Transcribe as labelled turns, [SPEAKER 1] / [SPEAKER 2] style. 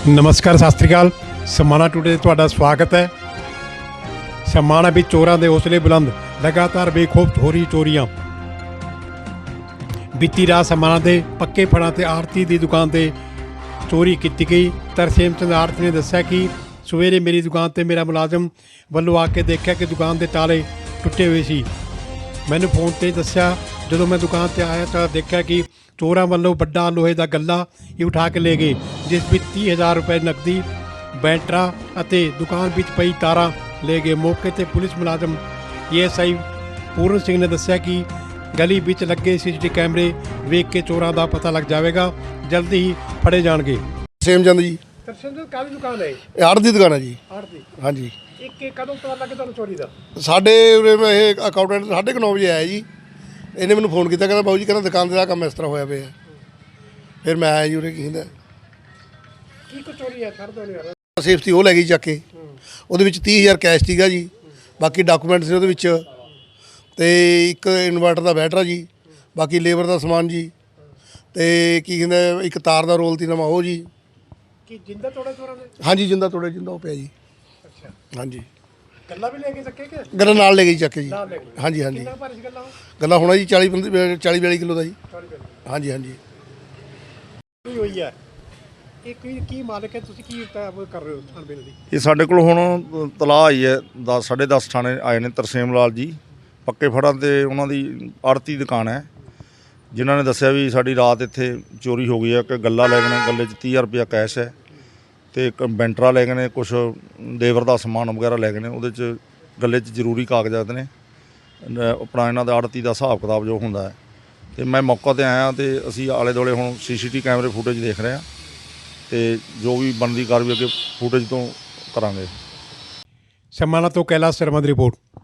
[SPEAKER 1] ਨਮਸਕਾਰ, ਸਤਿ ਸ਼੍ਰੀ ਅਕਾਲ। ਸਮਾਣਾ ਟੂਡੇ ਤੁਹਾਡਾ ਸਵਾਗਤ ਹੈ। ਸਮਾਣਾ ਵਿੱਚ ਚੋਰਾਂ ਦੇ ਹੌਸਲੇ ਬੁਲੰਦ, ਲਗਾਤਾਰ ਬੇਖੌਫ ਹੋ ਰਹੀ ਚੋਰੀਆਂ। ਬੀਤੀ ਰਾਤ ਸਮਾਣਾ ਦੇ ਪੱਕੇ ਫੜਾਂ ਤੇ ਆੜਤੀ ਦੀ ਦੁਕਾਨ ਤੇ ਚੋਰੀ ਕੀਤੀ ਗਈ। ਤਰਸੇਮ ਚੰਦ ਆੜਤੀ ਨੇ ਦੱਸਿਆ ਕਿ ਸਵੇਰੇ ਮੇਰੀ ਦੁਕਾਨ ਤੇ ਮੇਰਾ ਮੁਲਾਜ਼ਮ ਵੱਲੋਂ ਆ ਕੇ ਦੇਖਿਆ ਕਿ ਦੁਕਾਨ ਦੇ ਤਾਲੇ ਟੁੱਟੇ ਹੋਏ ਸੀ। ਮੈਨੂੰ ਫੋਨ ਤੇ ਦੱਸਿਆ, ਜਦੋਂ ਮੈਂ ਦੁਕਾਨ ਤੇ ਆਇਆ ਤਾਂ ਦੇਖਿਆ ਕਿ ਚੋਰਾਂ ਵੱਲੋਂ ਵੱਡਾ ਲੋਹੇ ਦਾ ਗੱਲਾ ਹੀ ਉਠਾ ਕੇ ਲੈ ਗਏ, ਜਿਸ ਵਿੱਚ 30,000 ਰੁਪਏ ਨਕਦੀ, ਬੈਟਰਾ ਅਤੇ ਦੁਕਾਨ ਵਿੱਚ ਪਈ ਤਾਰਾਂ ਲੈ ਗਏ। ਮੌਕੇ ਤੇ ਪੁਲਿਸ ਮੁਲਾਜ਼ਮ ASI ਪੂਰਨ ਸਿੰਘ ਨੇ ਦੱਸਿਆ ਕਿ ਗਲੀ ਵਿੱਚ ਲੱਗੇ CCTV ਕੈਮਰੇ ਵੇਖ ਕੇ ਚੋਰਾਂ ਦਾ ਪਤਾ ਲੱਗ ਜਾਵੇਗਾ, ਜਲਦੀ ਹੀ ਫੜੇ ਜਾਣਗੇ।
[SPEAKER 2] ਤਰਸੇਮ ਚੰਦ ਜੀ।
[SPEAKER 1] ਤਰਸੇਮ ਚੰਦ ਕਾਹਦੀ ਦੁਕਾਨ ਹੈ?
[SPEAKER 2] ਇਹ ਆੜਤ ਦੀ ਦੁਕਾਨ ਹੈ ਜੀ।
[SPEAKER 1] ਆੜਤ ਦੀ।
[SPEAKER 2] ਹਾਂਜੀ।
[SPEAKER 1] ਕਦੋਂ ਪਤਾ ਲੱਗੇ ਤੁਹਾਨੂੰ ਚੋਰੀ ਦਾ?
[SPEAKER 2] ਸਾਡੇ ਉਰੇ ਇਹ ਅਕਾਊਂਟੈਂਟ 9:30 ਵਜੇ ਆਇਆ ਜੀ। ਇਹਨੇ ਮੈਨੂੰ ਫੋਨ ਕੀਤਾ, ਕਹਿੰਦਾ ਬਾਊ ਜੀ, ਕਹਿੰਦਾ ਦੁਕਾਨ ਦਾ ਕੰਮ ਇਸ ਤਰ੍ਹਾਂ ਹੋਇਆ ਪਿਆ। ਫਿਰ ਮੈਂ ਆਇਆ ਜੀ ਉਰੇ। ਕੀ ਕਹਿੰਦਾ
[SPEAKER 1] ਕੀ ਕੋ ਚੋਰੀ ਹੈ? ਛੱਡ ਦੋ ਯਾਰ।
[SPEAKER 2] ਸੇਫਟੀ ਉਹ ਲੈ ਗਈ ਚੱਕ ਕੇ। ਉਹਦੇ ਵਿੱਚ 30,000 ਕੈਸ਼ ਸੀਗਾ ਜੀ, ਬਾਕੀ ਡਾਕੂਮੈਂਟ ਸੀ ਉਹਦੇ ਵਿੱਚ, ਤੇ ਇੱਕ ਇਨਵਰਟਰ ਦਾ ਬੈਟਰਾ ਜੀ, ਬਾਕੀ ਲੇਬਰ ਦਾ ਸਮਾਨ ਜੀ, ਤੇ ਕੀ ਕਹਿੰਦਾ ਇੱਕ ਤਾਰ ਦਾ ਰੋਲ ਤੀ ਨਵਾਂ ਉਹ ਜੀ।
[SPEAKER 1] ਕੀ ਜਿੰਦਾ ਤੋੜੇ ਚੋਰਾਂ ਨੇ?
[SPEAKER 2] ਹਾਂਜੀ, ਜਿੰਦਾ ਤੋੜੇ, ਜਿੰਦਾ ਉਹ ਪਿਆ ਜੀ।
[SPEAKER 1] ਅੱਛਾ।
[SPEAKER 2] ਹਾਂਜੀ।
[SPEAKER 1] ਗੱਲਾਂ ਵੀ ਲੈ ਕੇ ਚੱਕੇ ਕਿ?
[SPEAKER 2] ਗੱਲਾਂ ਨਾਲ ਲੈ ਗਈ ਚੱਕ ਕੇ ਜੀ।
[SPEAKER 1] ਨਾਲ ਲੈ ਗਏ।
[SPEAKER 2] ਹਾਂਜੀ ਹਾਂਜੀ।
[SPEAKER 1] ਕਿੰਨਾ ਭਾਰੀ ਸੀ ਗੱਲਾਂ?
[SPEAKER 2] ਗੱਲਾਂ ਹੋਣਾ ਜੀ 40-42 ਕਿਲੋ ਦਾ ਜੀ।
[SPEAKER 1] 40
[SPEAKER 2] ਹਾਂਜੀ ਹਾਂਜੀ।
[SPEAKER 1] ਹੋਈ ਹੈ। ਇਹ ਕੀ ਮਾਲਕ ਹੈ? ਤੁਸੀਂ ਕੀ ਕਰ ਰਹੇ ਹੋ ਥਾਣੇ ਦੀ?
[SPEAKER 3] ਇਹ ਸਾਡੇ ਕੋਲ ਹੁਣ ਤਲਾਹ ਆਈ ਹੈ, 10:30 ਥਾਣੇ ਆਏ ਨੇ ਤਰਸੇਮ ਲਾਲ ਜੀ, ਪੱਕੇ ਫੜਾਂ ਤੇ ਉਹਨਾਂ ਦੀ ਆੜਤੀ ਦੁਕਾਨ ਹੈ, ਜਿਨ੍ਹਾਂ ਨੇ ਦੱਸਿਆ ਵੀ ਸਾਡੀ ਰਾਤ ਇੱਥੇ ਚੋਰੀ ਹੋ ਗਈ ਹੈ। ਕਿ ਗੱਲਾ ਲੈ ਗਏ ਨੇ, ਗੱਲੇ 'ਚ 30,000 ਰੁਪਇਆ ਕੈਸ਼ ਹੈ, ਤੇ ਇੱਕ ਬੈਂਟਰਾ ਲੈ ਗਏ ਨੇ, ਕੁਛ ਲੇਬਰ ਦਾ ਸਮਾਨ ਵਗੈਰਾ ਲੈ ਗਏ ਨੇ। ਉਹਦੇ 'ਚ ਗੱਲੇ 'ਚ ਜ਼ਰੂਰੀ ਕਾਗਜ਼ਾਤ ਨੇ, ਆਪਣਾ ਇਹਨਾਂ ਦਾ ਆੜਤੀ ਦਾ ਹਿਸਾਬ ਕਿਤਾਬ ਜੋ ਹੁੰਦਾ ਹੈ। ਤੇ ਮੈਂ ਮੌਕਾ 'ਤੇ ਆਇਆ ਤੇ ਅਸੀਂ ਆਲੇ ਦੁਆਲੇ ਹੁਣ CCTV ਕੈਮਰੇ ਫੁਟੇਜ ਦੇਖ ਰਹੇ ਹਾਂ, ਤੇ ਜੋ ਵੀ ਬਣਦੀ ਕਾਰਵਾਈ ਅੱਗੇ ਫੁਟੇਜ ਤੋਂ ਕਰਾਂਗੇ।
[SPEAKER 1] ਸਮਾਣਾ ਤੋਂ ਕੈਲਾਸ਼ ਸ਼ਰਮਾ ਦੀ ਰਿਪੋਰਟ।